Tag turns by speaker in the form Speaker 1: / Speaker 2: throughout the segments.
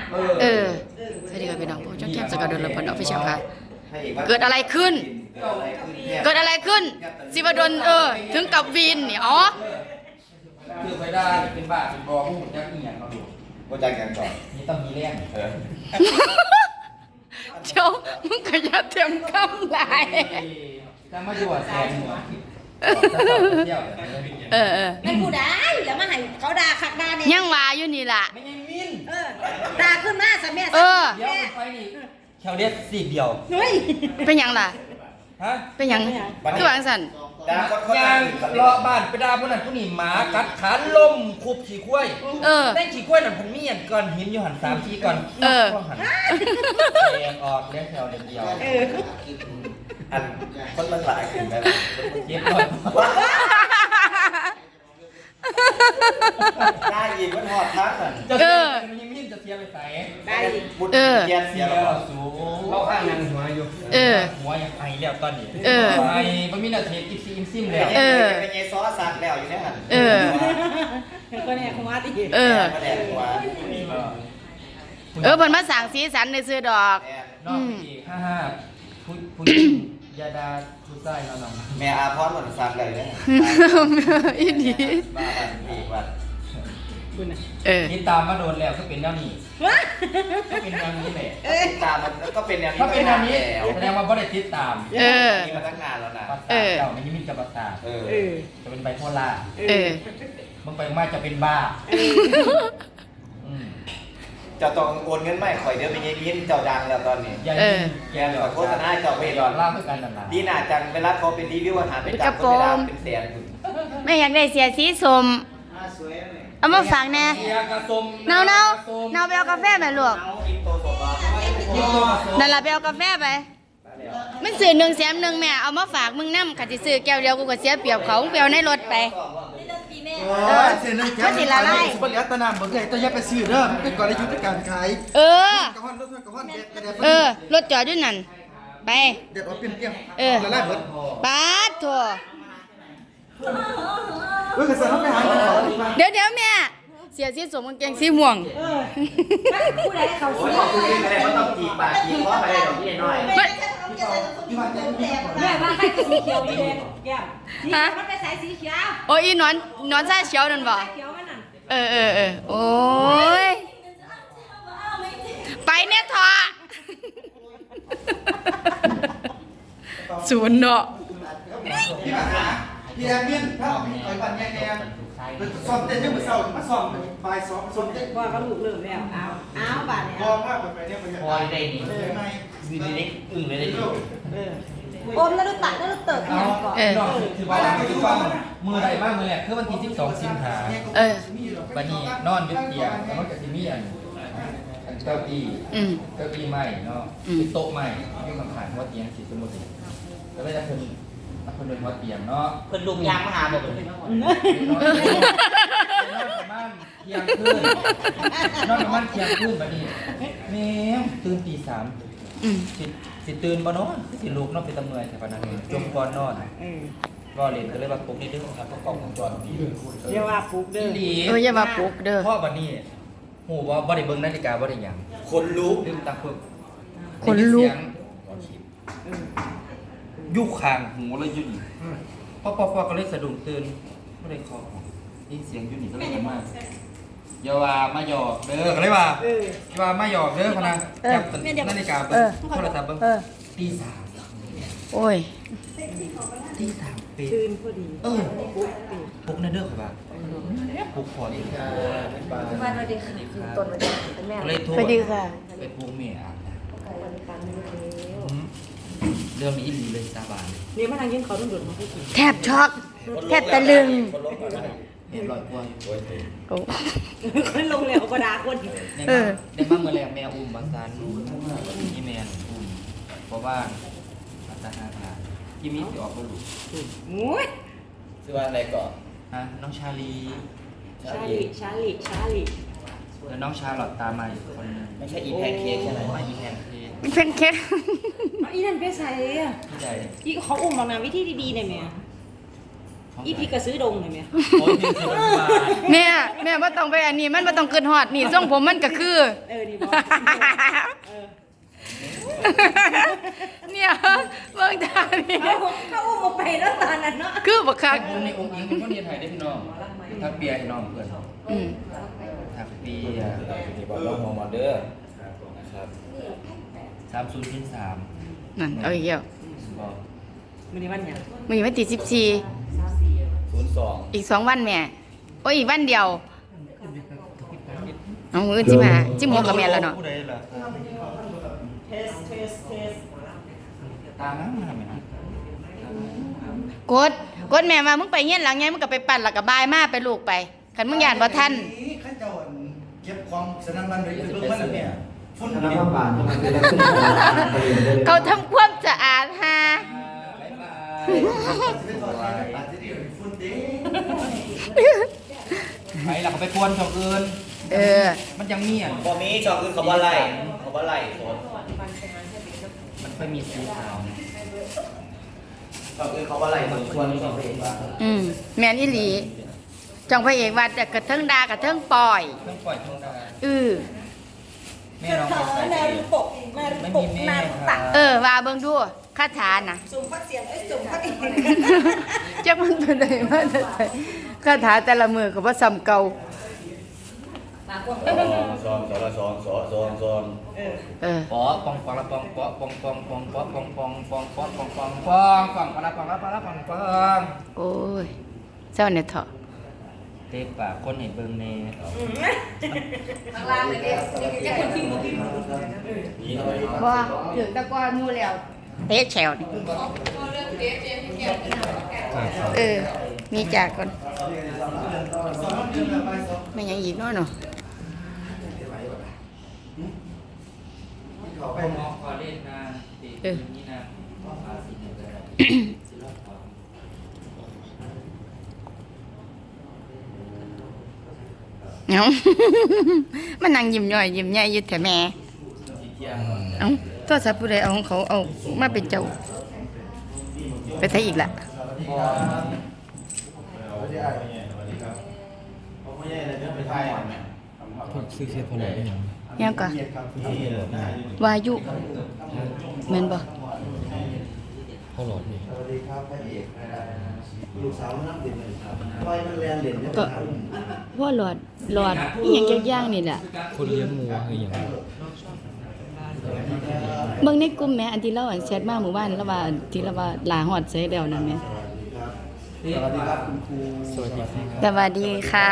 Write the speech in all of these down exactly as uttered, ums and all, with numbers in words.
Speaker 1: เออสวัสดีครับพี่น้องผู้ช่องแคมสกัดดนลพลออฟฟิเชียลค่ะเกิดอะไรขึ้นเกิดอะไรขึ้นสิวดลเออถึงกับวีนเนี่ยอ๋อ
Speaker 2: คือไปได้เป็นบ้าเป็นบอผู้จักอีหยังเราดู
Speaker 3: ก็จักกันก่อน
Speaker 2: นี่ต้องมีแรงเออ
Speaker 1: เจ้ามึงก็อย่าเตรียมคำลาย
Speaker 2: จะมาอยู่แทนหัว
Speaker 1: เออเออ
Speaker 4: ไม่กูได้แล้วมาให้เขาด่าคักด่าเนี่ย
Speaker 1: ยังว่าอยู่นี่ล่ะ
Speaker 2: ไม่ใช่มิน
Speaker 4: เออด่าขึ้นมาซะแม่
Speaker 1: เออ
Speaker 2: เดี๋ยวไปนี่แค่เรียกสี่เดียว
Speaker 4: เฮ้ย
Speaker 1: เป็นยังล่ะ
Speaker 2: ฮะ
Speaker 1: เป็นยังคือวางสัน
Speaker 2: ยางเลาะบ้านไปด่าพวกนั้นพวกนี้หมากัดขาล่มคุบขี่คุ้ย
Speaker 1: เออ
Speaker 2: ได้ขี่คุ้ยนั่นผมมีอันก่อนหินอยู่หันสามทีก่อน
Speaker 1: เออ
Speaker 2: หันแยงออกเลี้ยงแถวเดียว
Speaker 4: เออ
Speaker 3: อันคนมันหลายขึ้นไป
Speaker 2: เย็บเลย
Speaker 3: ได้ยินมันหอดทักอ่ะ
Speaker 2: เออมันยังมิ่นจะเทียบไปใส่
Speaker 4: ได้
Speaker 3: เออเสียเสียแล้ว
Speaker 2: สูงเราข้างนั่งหัวอยู่
Speaker 1: เออ
Speaker 2: หัวยังไอแล้วตอนนี้
Speaker 1: เออ
Speaker 2: ไอมันมีนาทีอิซิมซิมแล้ว
Speaker 1: เออ
Speaker 3: เป็นไงซอสสักแล้วอยู่เนี่ยหัน
Speaker 1: เออ
Speaker 4: ก็เนี่ยคงว่าติ
Speaker 1: เออ
Speaker 3: มาแดดหัว
Speaker 1: เออเพิ่นมาสั่งสีสันในซื้อดอก
Speaker 2: นอกอีกห้าห้าผู้ผู้ยาดาผู้ใต้เราหน่อย
Speaker 3: แม่อาพรหมดสักเลยเนี่ย
Speaker 1: อีดี
Speaker 3: บ้าบ้านอีกวัน
Speaker 1: เออ
Speaker 2: นี่ตามมาโดนแล้วก็เป็นแนวนี้ก็เป็นแนวนี้แหละ
Speaker 3: ตามมันก็เป็นแนวนี้
Speaker 2: ก็เป็นแนวนี้แสดงว่าบ่ได้ติดตาม
Speaker 1: เออ
Speaker 3: มีมาตั้งนานแล้วนะ
Speaker 2: เออเจ้ามันยังมีจะประสาท
Speaker 3: เออ
Speaker 2: จะเป็นไบโพล่า
Speaker 1: เออ
Speaker 2: มึงไปมาจะเป็นบ้า
Speaker 3: เจ้าต้องโอนเงินไม่ข่อยเดี๋ยวไปยินยินเจ้าดังแล้วตอนนี้
Speaker 2: เออ
Speaker 3: แกขอโฆษณาเจ้าไปดอน
Speaker 2: ล่าเพื่อกันนั่นนะ
Speaker 3: ดีน่าจังเวลาเขาเป็นรีวิวอาหารเป็นจับคนเวลาเป็นแสน
Speaker 1: ไม่อยากได้เสียสีสมเอามาฝากแน่เนาเนาเนาไปเอากาแฟไปลูกนั่นล่ะไปเอากาแฟไปมันซื้อหนึ่งแสนหนึ่งแม่เอามาฝากมึงน้ำขัดสิซื้อแก้วเดียวกูก็เสียเปรียบเขาเปรียวในรถไป
Speaker 5: เออเสียหนึ่งแก้วนี่ละลายบริษัทตะนำบริษัทต้องแยกไปซื้อเด้อเป็นก่อนในยุทธการขาย
Speaker 1: เออกระห้อนรถกระห้อนเออรถจอดด้วยนั่นไป
Speaker 5: เด็ดเอาเปลี่ยนเปลี่ยน
Speaker 1: เออ
Speaker 5: ละลายหมด
Speaker 1: ปาดถั่ว
Speaker 5: เฮ้ยกระสันต้องไปหา
Speaker 1: เดี๋ยวเดี๋ยวแม่เสียสีสมกางเกงสีม่วง
Speaker 4: ผู้ใดเขาซื้อ
Speaker 3: ผู้ใดอะไรมันต้องจีบปากจีบคออะไรดอกนี่น้อย
Speaker 4: แม่ว่าใครสีเขียวนี่แก้มสีมันไปใส่สีเขียว
Speaker 1: โอ้ยนอนนอนใส่เขียวนั่นบ่เออเออเออโอ้ยไปเนี่ยทอศูนย์เนาะ
Speaker 5: พี่แอมเมียนถ้าออกไปต่อยบันแย่แย่ซ้อมเต้นยังเหมือนเศร้ามาซ้อมบ่ายซ้อมซ้อมเต้น
Speaker 4: ว่าก็ลูกเริ่มแล้วเอาเอาบาดเนี่ย
Speaker 5: พอมากไปเนี่ยไปเนี่ย
Speaker 2: พอได้ดีดีดีอึ้งเลยได้ดี
Speaker 4: อมแล้วดูตัดแล้วดูเติบเนี่ยก่อน
Speaker 2: เออคือว่าคือว่ามือใดบ้างมือแหละคือวันที่สิบสองสิงหา
Speaker 1: เออ
Speaker 2: บันนี้นอนยึดเตียงแล้วมันจะมีอันเก้าอี้เก้าอี้ใหม่เนาะโต๊ะใหม่ที่มันขายหัวเตียงสีสมุทรแล้วก็จะเพิ่มเพิ่นเป็นหัวเตียงเนาะ
Speaker 3: เพิ่นลุงยางมาหาบอกเพิ่นน
Speaker 2: อนประมาณเที่ยงคืนนอนประมาณเที่ยงคืนบัดนี้แม่ตื่นตีสามสิสิตื่นบ่นอนสิลุกนอนไปตะเมื่อยแต่ปานนั้นจมก่อนนอนก็เล่นก็เลยว่าปลุกนี่เด้อครับก็กล้องวงจรปิด
Speaker 4: อย่าว่าปลุกเด้อ
Speaker 1: เอออย่าว่าปลุกเด้อ
Speaker 2: เพราะบัดนี้ฮู้ว่าบ่ได้เบิ่งนาฬิกาบ่ได้หยัง
Speaker 3: คนลุก
Speaker 2: ลืมตาเพิ่น
Speaker 1: คนลุก
Speaker 2: ยุคคางหูเลยยุ่นพอพอพอก็เลยสะดุ้งตื่นก็เลยคอนี่เสียงยุ่นนี่ก็เลยมาอย่าว่ามาหยอกเด้อก็เลยว่าอย่าว่ามาหยอกเด้อพนักจับนาฬิกาเบิ้งโทรศัพท์เบิ้งตีสาม
Speaker 1: โอ้ย
Speaker 2: ตีสามปี
Speaker 4: ตื่นพอดี
Speaker 2: เออปุ๊กในเด้อครับปุ๊กพอดีค่ะ
Speaker 4: วันวันดีค่ะคือต้นวันดีเป็นแม่
Speaker 2: เลยโทร
Speaker 1: ไปดีค่ะ
Speaker 2: ไปปุ๊กเมียเรื่องนี้ดีเลยสาบาน
Speaker 4: นี่มาทางยินเขาต้องโดดมาพูดถึง
Speaker 1: แทบช็อกแทบตะลึง
Speaker 2: เห็นรอยกล้วย
Speaker 1: โอ้
Speaker 4: คนลงแล้วก็ด่าคน
Speaker 2: ในบ้านในบ้านเมื่อแรงแมวอุ้มบางซานนี่แมวอุ้มเพราะว่าอาตาหาทาที่มีที่ออกก็รู้
Speaker 4: มุ้ย
Speaker 3: ชื่อว่าอะไรก่อน
Speaker 2: ฮะน้องชาลี
Speaker 4: ชาลีชาลีชาลี
Speaker 2: แล้วน้องชาหลอดตามาอีกคนนึง
Speaker 3: ไม่ใช่อีแพนเค้กใช่ไหม
Speaker 2: ไม่อีแพนเค้ก
Speaker 1: เป็นเค้ก
Speaker 4: อีนั่นเป็นใส่อะ
Speaker 2: ที่ใด
Speaker 4: อีเขาอุ้มบางนาวิธีดีๆได้ไหมอีพี่ก็ซื้อดงเลยแม่
Speaker 2: โอ้ยพี่สิบบาท
Speaker 1: แม่แม่บ่ต้องไปอันนี้มันบ่ต้องเกินฮอดนี่ทรงผมมันก็คือ
Speaker 4: เออนี่บอกเออ
Speaker 1: เนี่ยเบิ่งตานี่
Speaker 4: เขาเขาอุ้มมาไปแล้วตอนนั้นเนาะ
Speaker 1: คือบ่คัก
Speaker 2: ผมในองค์หญิงเป็นคนเรียนไทยได้พี่น้องทักเปียให้น้องเพื่อน
Speaker 1: อืม
Speaker 2: ทักเปีย
Speaker 3: นี่บอกลองมองมาเด้อนะครับ
Speaker 2: สามศูนย์พินสาม
Speaker 1: นั่นเอาอีกแล้ว
Speaker 2: บอก
Speaker 4: มันนี่วันหยัง
Speaker 1: มื้อนี้วันที่สิบสี่
Speaker 3: ศูนย์สอง
Speaker 1: อีกสองวันแม่โอ้ยอีกวันเดียวเอามื้อสิมาสิบหกก็แม่นแล้วเนาะ
Speaker 2: ผู้ใดล่ะ
Speaker 4: เทสเทสเทส
Speaker 2: ตามนั้นมาทำไมนะ
Speaker 1: กดกดแม่มามึงไปเฮียนหลังไงมึงก็ไปปั่นแล้วก็บายมาไปลูกไปคันมึงย่านบ่ทัน
Speaker 5: ข้าเจ้าเก็บความสนั่นบันเลยเบิ่งมันเนี่ยฝุ่น
Speaker 6: คณะ
Speaker 5: เนี่ย
Speaker 6: กรรมการมันเป็นลักษณะการเรียนได้เลย
Speaker 1: เขาทำความสะอาดหา
Speaker 2: บ๊ายบาย
Speaker 5: สิไปถอดสายตาที่เดียวฝุ่นเด้
Speaker 2: ไปหลักไปกวนชาวอื่น
Speaker 1: เออ
Speaker 2: มันยังมีอ่ะ
Speaker 3: พอมีชอบคือคำว่าไล่คำว่าไล่โซน
Speaker 2: มันค่อยมีสีขาว
Speaker 3: ชอบคือคำว่าไล่โซนควรชอบเองว่า
Speaker 1: อืมแม่นอีหลีจองพระเอกว่าแต่กระเทิงดากระเทิงปล่อย
Speaker 2: เครื่องปล่อยเครื่องดา
Speaker 1: อือ
Speaker 2: แม่น้อง
Speaker 4: เธ
Speaker 2: ไป
Speaker 4: อ
Speaker 2: ใส่
Speaker 4: แนวปกมา
Speaker 2: ไม่
Speaker 4: ป
Speaker 2: มี
Speaker 4: ก
Speaker 2: แม่
Speaker 4: นา
Speaker 2: ค
Speaker 4: ตั
Speaker 2: รั
Speaker 4: ก
Speaker 2: บ
Speaker 1: เออว่าเบิ่งดูคาถาน่ะ
Speaker 4: สุ่มพักเสียงไอ้สุ่มพักอีก
Speaker 1: จักมันตัวใดมาแต่ไสคาถาแต่ละมือก็บ่ซ้ำเก่า
Speaker 4: มากวง
Speaker 3: ซ้อมซ้อมซ้อมซ้อมซ้อมซ้อม
Speaker 4: เออ
Speaker 1: เออ
Speaker 2: ปอปองปองละปองปอปองปองปองปอปองปองปองปองปองปองปองปองปองละปองละปองละปองปอง
Speaker 1: โอ้ยเจ้าเนี่ยเถาะ
Speaker 2: เตะปากคนเห็นเบิ่งแน่
Speaker 4: ข้างล่างเลยเด็กจะคนพิมพ์พิมพ์
Speaker 1: บ่ถึงตะกอนหมู่แล้วเตะแฉวนี่เออ มีจากก่อนไม่หยังอีกเนาะเนาะ
Speaker 2: ไปมองคอเล่นนะติดนี่นะภาษีหนึ่งเลยศิลปะ
Speaker 1: เอ้า มันนั่งยิ้มย่อยยิ้มใหญ่อยู่แต่แม่ เอ้าโทรศัพท์ผู้ใดเอาของเขาเอามาเป็นเจ้า ไปไทยอีกละ
Speaker 6: ซื้อเสื้อผ้าหน่อยได้ยัง
Speaker 1: ยังก็วายุแม่นบ่
Speaker 6: พ่อหลอดนี่
Speaker 5: สวัสดีครับพระเอกลูกสาวน้ำเด่นเลยครับปล่อยมันแลนเด่นเนี่ย
Speaker 1: ก็พ่อหลอดหลอดอีหยังจักอย่างนี่แหละ
Speaker 6: คนเลี้ยงงูคืออย่าง
Speaker 1: เบิ่งในกลุ่มแหม่อันที่เราอันแชทมาหมู่บ้านแล้วว่าอันที่เราว่าลาฮอดใส่แล้วนั่นแหม่
Speaker 5: สวัสดีครับคุณครู
Speaker 6: สวัสดีครับ
Speaker 1: สวัสดีค่ะ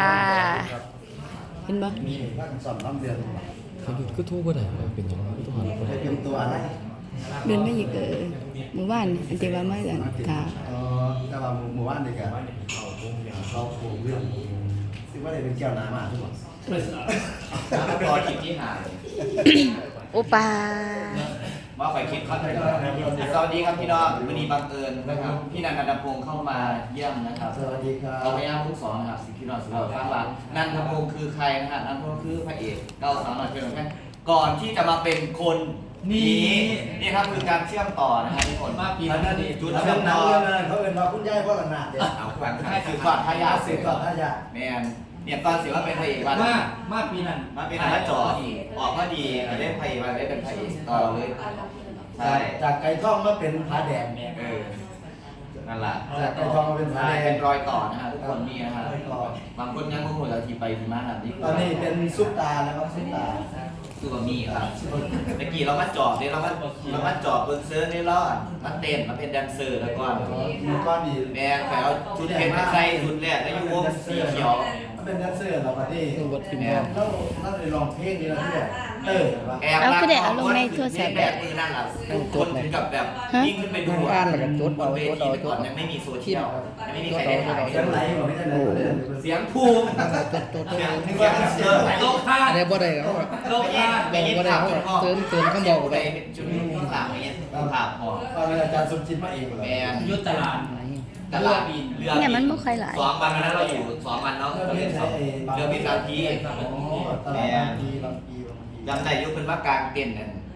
Speaker 1: เห็นบ่
Speaker 5: มีท่านสอนน้ำเดือน
Speaker 6: เขาหยุดก็ทู่บ่ได้เป็นอย่างนั้นก็ต้องหาคน
Speaker 5: ไปเตรียมตัวอะไร
Speaker 1: เดินไม่อีกเออหมู่บ้านอันที่ว่ามาอันกา
Speaker 5: เออแต่ว่าหมู่บ้านเด็กอะเขาโผล่เรื่องซึ่งว่าได้เป็นแก้วน้ำมาทุกคน
Speaker 3: รอคลิปที่หาย
Speaker 1: โอปา
Speaker 3: ว่าไฟคลิปเขาเลยสวัสดีครับพี่น้องวันนี้บังเอิญนะครับพี่นันทพงศ์เข้ามาเยี่ยมนะครับ
Speaker 5: สวัสดีครับ
Speaker 3: เราพยายามทุกสอนนะครับสิ่งที่เราสื่อสารว่านันทพงศ์คือใครนะฮะนันทพงศ์คือพระเอกเราสามารถเป็นแค่ก่อนที่จะมาเป็นคนนี้นี่ครับคือการเชื่อมต่อนะครับทุกคน
Speaker 2: มาปี
Speaker 5: อัน
Speaker 2: นั้
Speaker 5: นั้น น
Speaker 2: ดิ
Speaker 5: จุดเชื่อมต่อเขาเป็นว่าคุณยายพ่อละนาดเด็ก
Speaker 3: เอาขวัญให้สืบทอดทายาท
Speaker 5: สืบทอดทายาท
Speaker 3: แมนเนี่ยตอนสิว่าเป็นพระเอกวัน
Speaker 2: มามาปีนั้น
Speaker 3: มาเป็นนักจอออกก็ดีได้พระเอกวันได้เป็นพระเอกต่อเลยใช่
Speaker 5: จากไก่ทองมาเป็นผาแดง
Speaker 3: เออนั่นแหละ
Speaker 5: จากไก่ทองมาเป็นผาแดง
Speaker 3: เป็นรอยต่อนะฮะทุกคนมีนะฮะบางคนยังงงเราทีไปทีมาแบบนี้
Speaker 5: ตอนนี้เป็นซุปตาแล้วครับซุปตา
Speaker 3: คือว่ามีครับเมื่อกี้เรามาจอบเนี่ยเรามาเรามาจอบบนเซิร์ฟนี่เราอ่ะมาเต้นมาเป็นแดนเซอร์แล้วก็
Speaker 5: มีก้อนดี
Speaker 3: แม่ไปเอาชุดเพชรไปใส่ชุดแรกแล้วอยู่วงสีเขียว
Speaker 5: เป็นแดนเซอร์เราปะที่
Speaker 6: วัดพิมพ์
Speaker 5: เราเราได้ลองเพลงนี้แล้วด้วยเออว่า
Speaker 3: แอบรักแบบมือนั่นแหละคนถึงกับแบบยิ่งขึ้นไปดูอ่ะบนเวทีก่อนยังไม่มีโซเชียลยังไม่มีใครได้ถ่าย
Speaker 5: เสียงไหลบอกไม่ได้เลย
Speaker 3: เสียงภูมิเสียงเสียงเสียงโลกคา
Speaker 6: อะไรบ่ได้เขา
Speaker 3: โลกคา
Speaker 6: บอกบ่ได้เขาเติมเติมข้างบอกไป
Speaker 3: จุดนี้ข้างหลังอย่างเงี้ยภาพพอ
Speaker 5: ตอนอาจารย์สมจิตมาเองเล
Speaker 3: แม
Speaker 5: ย
Speaker 3: น
Speaker 2: ยุทธตลาด
Speaker 3: ตลาดเรือ
Speaker 1: เนี่ยมันบ่ค่อยหลาย
Speaker 3: สองวันนั้นเราอยู่สองวันเนาะเรือบินบางที
Speaker 5: ตลาดบางทีบางที
Speaker 3: จำได้ยุคเป็นว่ากลางเต้นนั่น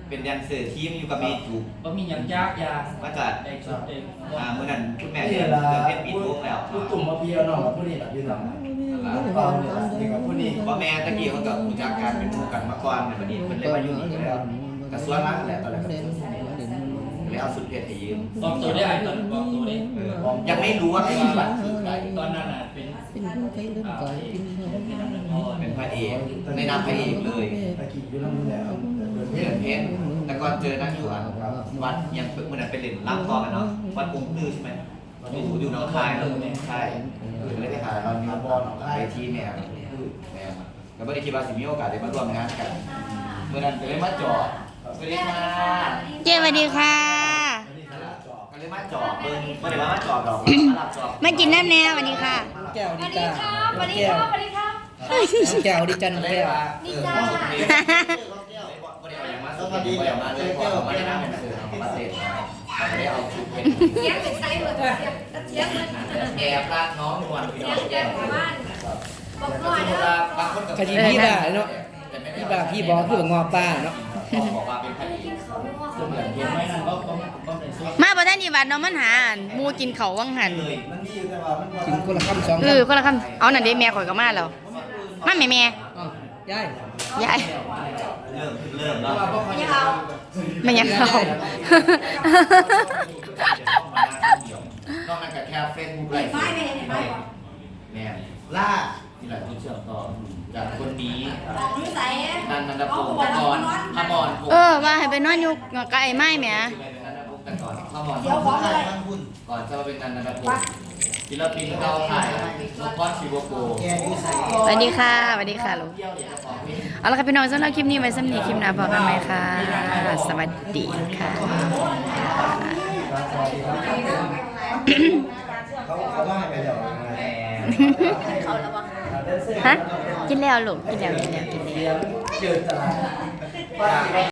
Speaker 3: เป็นแดนเซอร์ทีมอยู่กับเมจู
Speaker 2: บ่มีหยังยากยาก
Speaker 3: มาจาก
Speaker 2: ได้ชุดเอง
Speaker 3: อ่าเมื่อนั้นคุณแม่เรียนเรื่องเพชรปีทุกแล้ว
Speaker 5: ผู้ตุ่มมาเพียวน้องกับผู้นี้แบบยืนหลังเปล่าเนี่ยนี่กับผู้นี้
Speaker 3: พ่อแม่ตะกี้เขากับรู้จักการเป็นหมู่กันมาก่อนเนี่ยบัดนี้มันเลยมาอยู่นี่แล้วกระทรวงนั้นแหละตอนแรกเลยเอาสุดเพชรให้ยืม
Speaker 2: บอกตัวได้ไอ้ตอนบอกตัวได้
Speaker 3: ยังไม่รู้ว่าเป็นบัตรคือใคร
Speaker 2: ตอนนั้นน่ะเป็น
Speaker 6: เป็นผู้ใครเล่นก่อนกินเ
Speaker 3: เป็นพระเอกในนามพระเอกเลย
Speaker 5: ตะกี้อยู่ลำแล้ว
Speaker 3: เพื่อนเพชรแต่ก่อนเจอนั่งอยู่อ่ะวัดยังเมื่อนั้นไปเล่นรับต่อกันเนาะวัดองค์ตื้อใช่ไหมอยู่อยู่หนองคายเออใช่ก็เลยไปหาเราอยู่บอลไปที่แนวแนวก็ไม่ได้คิดว่าสิมีโอกาสได้มาร่วมงานกันเมื่อนั้นก็เลยมาจอดสวัสดีค่ะ
Speaker 1: เจ้สวัสดีค่ะ
Speaker 3: ก็เลยมาจอดเบิ้งไม่ได้ว่ามาจอดหรอกมารับจอด
Speaker 1: มากินน้ำแน่สวัสดีค่ะ
Speaker 6: แก้ว
Speaker 4: ส
Speaker 6: ดี
Speaker 4: วัสดี
Speaker 6: จ้า
Speaker 4: ครับสวัสดีครับสวัสดีครับ
Speaker 6: แก้วดีจัน
Speaker 3: เลย
Speaker 6: แก้ว
Speaker 3: ว่าเออมาสุดเลยไม่ได้เอาอย่างมาสุดไม่ได้เอามาเลยเพราะเราไม่ได้นั่งเป็นสื่อเรามาเสร็จเราไม่ได้เอาชุดเป็น
Speaker 4: เสียงเป็นไซส์เหมือนเสียงเสียงเหมือน
Speaker 3: แอบรักน้องนวลพี่น้อง
Speaker 4: เสียงประมาณบอก
Speaker 3: ก็
Speaker 4: หน่อย
Speaker 3: คือ
Speaker 4: นะ
Speaker 3: ว่าบางคนกับ
Speaker 6: คดีพี่ด่าเนาะพี่ด่าพี่บอกคือแบบงอป้าเนาะ
Speaker 3: บอกว่าเป็นคดี
Speaker 4: เขาไม่ว่า
Speaker 2: เสมือนเห็นไหมนั่นก็ก็ก็เป็นซุป
Speaker 1: มาบ่ทันดีวัดเนาะมันหาอันหมูกินเขาววังหัน
Speaker 3: เลย
Speaker 5: มันมีอยู่แต่ว่ามัน
Speaker 6: กินคนละคำสอง
Speaker 1: เอ
Speaker 6: คำ
Speaker 1: อคนละคำเอานั่นเด้แม่ข่อยก็มาแล้วมาแม่แม่
Speaker 6: อ้าวยาย
Speaker 1: ยาย
Speaker 3: เริ่มเริ่มแล้ว
Speaker 4: ไม่เอา
Speaker 1: ไม่ยังเขา
Speaker 3: นอกจากแค่เฟซบุ๊กไลฟ์
Speaker 4: ไม่ไม่เห็นไม่
Speaker 3: แม่ล่าที่หลายคนเชื่อต่อจากคนนี้
Speaker 4: รู้ใส่
Speaker 3: นันนันดาภูมิตะกอนพมร
Speaker 1: เออว่าให้ไปนอนอยู่กับไอ้ไม้แหม่
Speaker 3: นันดาภูมิตะกอนพมร
Speaker 4: เดี๋ยวขอเลย
Speaker 3: ก่อนจะมาเป็นนันนันดาภูมิศิลปินเราถ่ายนกพอดชิวโก
Speaker 1: สวัสดีค่ะสวัสดีค่ะลูกเอาละค่ะพี่น้องสำหรับคลิปนี้ไว้สำหรับคลิปหน้าพบกันไหมค่ะสวัสดีค่ะ
Speaker 5: เขาเขาว่าให้ไปเดี๋ยว
Speaker 4: เขาระวัง
Speaker 1: ฮะกินแล้วลูกกินแล้วกินแล้วกินแล้ว
Speaker 5: เจอตลาด